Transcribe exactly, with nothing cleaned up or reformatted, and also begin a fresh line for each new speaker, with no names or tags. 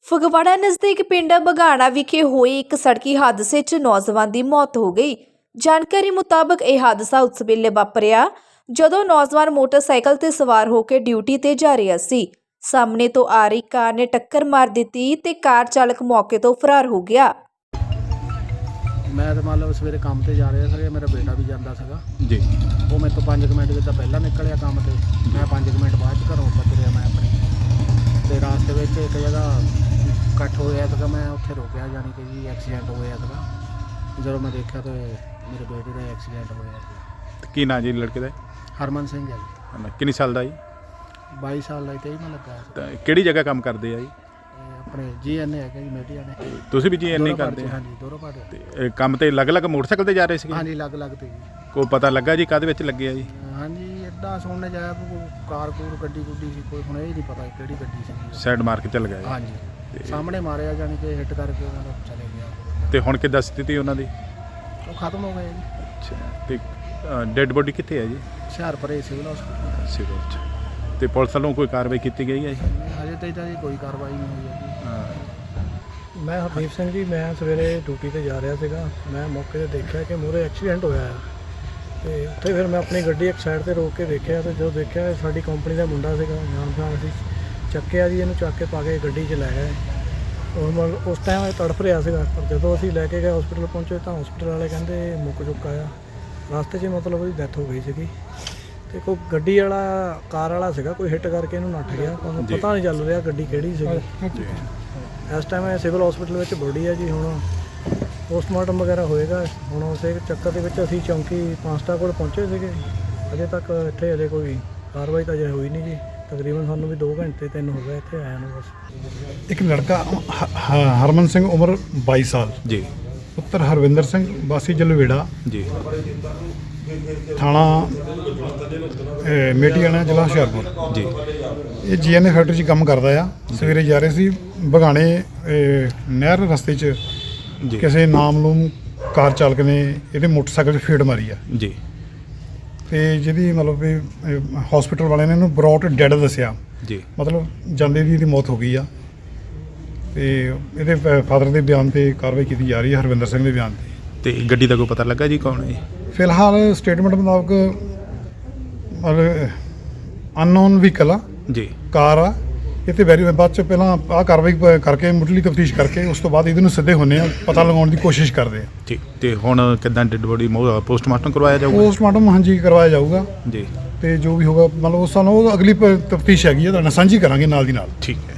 ਫਗਵਾੜਾ ਨਜ਼ਦੀਕ ਪਿੰਡ ਬਗਾਣਾ ਵਿਖੇ ਹੋਏ ਇੱਕ ਸੜਕੀ ਹਾਦਸੇ 'ਚ ਨੌਜਵਾਨ ਦੀ ਮੌਤ ਹੋ ਗਈ। ਜਾਣਕਾਰੀ ਮੁਤਾਬਕ ਇਹ ਹਾਦਸਾ ਉਸ ਵੇਲੇ ਵਾਪਰਿਆ ਜਦੋਂ ਨੌਜਵਾਨ ਮੋਟਰਸਾਈਕਲ ਤੇ ਸਵਾਰ ਹੋ ਕੇ ਡਿਊਟੀ ਤੇ ਜਾ ਰਿਹਾ ਸੀ। ਸਾਹਮਣੇ ਤੋਂ ਆ ਰਹੀ ਕਾਰ ਨੇ ਟੱਕਰ ਮਾਰ ਦਿੱਤੀ ਤੇ ਕਾਰ ਚਾਲਕ ਮੌਕੇ ਤੋਂ ਫਰਾਰ ਹੋ ਗਿਆ।
मैं तो मान लो सवेरे काम से जा रहा था, मेरा बेटा भी जाता था
जी।
वो मैं तो पाँच मिनट जिदा पहला निकलिया काम से, मैं पाँच मिनट बाद घरों पहुँच मैं अपने तो रास्ते में एक जगह कट्ठ होया था, मैं उत्थे रोकया जानी कि जी एक्सीडेंट होया था। जो मैं देखा तो मेरे बेटे का एक्सीडेंट होया।
की ना जी लड़के का?
हरमन सिंह है जी।
किन्नी साल का जी?
बाईस साल का तेई में लगा।
किहड़ी जगह काम करते हैं जी?
अपने जी एन ए है जी, मेडिया ने।
तुसीं भी जी एन ए करते हैं?
हाँ जी, दोनों पार्टी।
ते काम तो अलग अलग मोटरसाइकिल ते जा रहे थे?
हाँ जी, अलग अलग थे जी।
कोई पता लगा जी काहदे विच लगे जी?
हाँ जी, इदा सुनने जाया कोई कार कूर गड्डी गुड्डी सी, कोई हुण ये नहीं पता किहड़ी गड्डी सी।
साइड मार के चल गया?
हाँ जी, सामने मारिया जानी कि हिट करके मतलब चले गया।
ते हुण किद्दां स्थिति उन्हां दी?
वो खत्म हो गए जी।
अच्छा, ते डेड बॉडी कित्थे है जी?
Hoshiarpur civil hospital.
सिविल च। ते पुलिस वालों कोई कार्रवाई की गई है जी?
अजे तक जी कोई कार्रवाई नहीं हुई है जी।
मैं हरदीप सिंह जी, मैं सवेरे ड्यूटी ते जा रहा सीगा। मैं मौके ते देखा कि मूहरे एक्सीडेंट होया है ते उत्थे फिर मैं अपनी गड्डी एक साइड ते रोक के देखा तो जो देखा साडी कंपनी का मुंडा सीगा, जान पहचान सी। चक्किया जी, इहनूं चक के पा के गड्डी च लै गए और मतलब उस टाइम तड़फ रहा सीगा, पर जदों असीं लैके गए हॉस्पिटल पहुंचे तो हॉस्पिटल वाले कहंदे मुक चुका आ। रास्ते 'च मतलब ਉਹਦੀ ਡੈਥ हो गई ਸੀਗੀ ਤੇ ਕੋਈ ਗੱਡੀ ਵਾਲਾ ਕਾਰ ਵਾਲਾ ਸੀਗਾ, ਕੋਈ ਹਿੱਟ ਕਰਕੇ ਇਹਨੂੰ ਨੱਠ ਗਿਆ। ਪਰ ਪਤਾ ਨਹੀਂ ਚੱਲ ਰਿਹਾ ਗੱਡੀ ਕਿਹੜੀ ਸੀਗੀ। ਇਸ ਟਾਈਮ ਸਿਵਲ ਹਸਪੀਟਲ ਵਿੱਚ ਬੋਡੀ ਹੈ ਜੀ। ਹੁਣ ਪੋਸਟਮਾਰਟਮ ਵਗੈਰਾ ਹੋਏਗਾ। ਹੁਣ ਉਸੇ ਚੱਕਰ ਦੇ ਵਿੱਚ ਅਸੀਂ ਚੌਂਕੀ ਪਾਂਸਟਾ ਕੋਲ ਪਹੁੰਚੇ ਸੀਗੇ। ਅਜੇ ਤੱਕ ਇੱਥੇ ਅਜੇ ਕੋਈ ਕਾਰਵਾਈ ਤਾਂ ਅਜੇ ਹੋਈ ਨਹੀਂ ਜੀ। ਤਕਰੀਬਨ ਸਾਨੂੰ ਵੀ ਦੋ ਘੰਟੇ ਤਿੰਨ ਹੋ ਗਏ ਇੱਥੇ ਆਇਆ ਨੂੰ। ਬਸ
एक लड़का ह- ह- हरमन सिंह उम्र बाईस साल,
जी
पुत्र हरविंदर सिंह वासी जलवेड़ा,
जी।
थाना ए, मेटियाना, जिला हुशियारपुर
जी।
ये जी एन ए फैक्ट्री 'ਚ ਕੰਮ ਕਰਦਾ ਆ। ਸਵੇਰੇ ਜਾ ਰਹੇ ਸੀ ਬਗਾਣੇ ਇਹ ਨਹਿਰ ਰਸਤੇ 'ਚ
जी
ਕਿਸੇ ਨਾਮਲੂਮ ਕਾਰ ਚਾਲਕ ਨੇ ਇਹਦੇ ਮੋਟਰਸਾਈਕਲ 'ਚ ਫੇੜ ਮਾਰੀ ਆ
जी
ਤੇ ਜਿਹਦੀ ਮਤਲਬ ਵੀ ਹਸਪੀਟਲ ਵਾਲਿਆਂ ਨੇ ਇਹਨੂੰ ਬਰੌਟ ਡੈਡ ਦੱਸਿਆ।
जी
ਮਤਲਬ ਜਾਂਦੇ ਦੀ ਇਹਦੀ ਮੌਤ ਹੋ ਗਈ ਆ ਤੇ ਇਹਦੇ ਫਾਦਰ ਦੇ ਬਿਆਨ ਤੇ ਕਾਰਵਾਈ ਕੀਤੀ ਜਾ ਰਹੀ ਹੈ, ਹਰਵਿੰਦਰ ਸਿੰਘ ਦੇ ਬਿਆਨ ਤੇ।
ਤੇ ਗੱਡੀ ਦਾ ਕੋਈ ਪਤਾ ਲੱਗਾ ਜੀ ਕੌਣ ਹੈ ਜੀ?
ਫਿਲਹਾਲ ਸਟੇਟਮੈਂਟ ਮੁਤਾਬਕ ਮਤਲਬ ਅਨਨੋਨ ਵਹੀਕਲ ਆ,
ਜੀ
ਕਾਰ ਆ। ਇਹ ਤੇ ਵੈਰੀ ਬਾਅਦ ਚ ਪਹਿਲਾਂ ਆਹ ਕਾਰਵਾਈ ਪ- ਕਰਕੇ ਮੁੱਢਲੀ ਤਫਤੀਸ਼ ਕਰਕੇ ਉਸ ਤੋਂ ਬਾਅਦ ਇਹਦੇ ਨੂੰ ਸਿੱਧੇ ਹੁੰਦੇ ਆ, ਪਤਾ ਲਗਾਉਣ ਦੀ ਕੋਸ਼ਿਸ਼ ਕਰਦੇ ਆ।
ਠੀਕ। ਤੇ ਹੁਣ ਕਿੱਦਾਂ ਡੈਡ ਬੋਡੀ ਪੋਸਟਮਾਰਟਮ ਕਰਵਾਇਆ ਜਾਊਗਾ?
ਪੋਸਟਮਾਰਟਮ ਹਾਂਜੀ ਕਰਵਾਇਆ ਜਾਊਗਾ
ਜੀ
ਤੇ ਜੋ ਵੀ ਹੋਗਾ ਮਤਲਬ ਉਸ ਸਾਨੂੰ ਉਹ ਅਗਲੀ ਤਫਤੀਸ਼ ਹੈਗੀ ਆ, ਤੁਹਾਡੇ ਨਾਲ ਸਾਂਝੀ ਕਰਾਂਗੇ ਨਾਲ ਦੀ ਨਾਲ।
ਠੀਕ ਹੈ।